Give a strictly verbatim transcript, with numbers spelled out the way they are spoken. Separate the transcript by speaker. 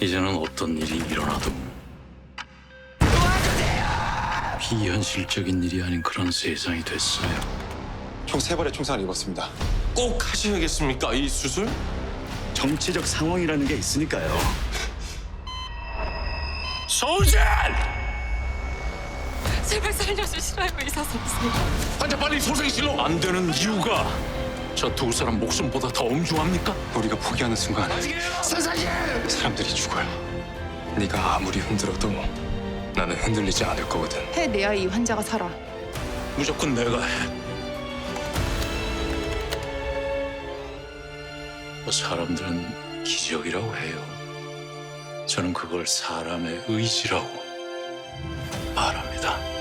Speaker 1: 이제는 어떤 일이 일어나도 비현실적인 일이 아닌 그런 세상이 됐어요.
Speaker 2: 총 세 발의 총상을 입었습니다.
Speaker 3: 꼭 하셔야겠습니까, 이 수술?
Speaker 4: 정치적 상황이라는 게 있으니까요.
Speaker 1: 소전!
Speaker 5: 제발 살려주시라요, 의사 선생님.
Speaker 1: 환자 빨리 소생실로 안 되는 이유가 저 두 사람 목숨보다 더 엄중합니까?
Speaker 2: 우리가 포기하는 순간 사람들이 죽어요. 네가 아무리 흔들어도 나는 흔들리지 않을 거거든.
Speaker 5: 해내야 이 환자가 살아.
Speaker 1: 무조건 내가 해. 뭐 사람들은 기적이라고 해요. 저는 그걸 사람의 의지라고 말합니다.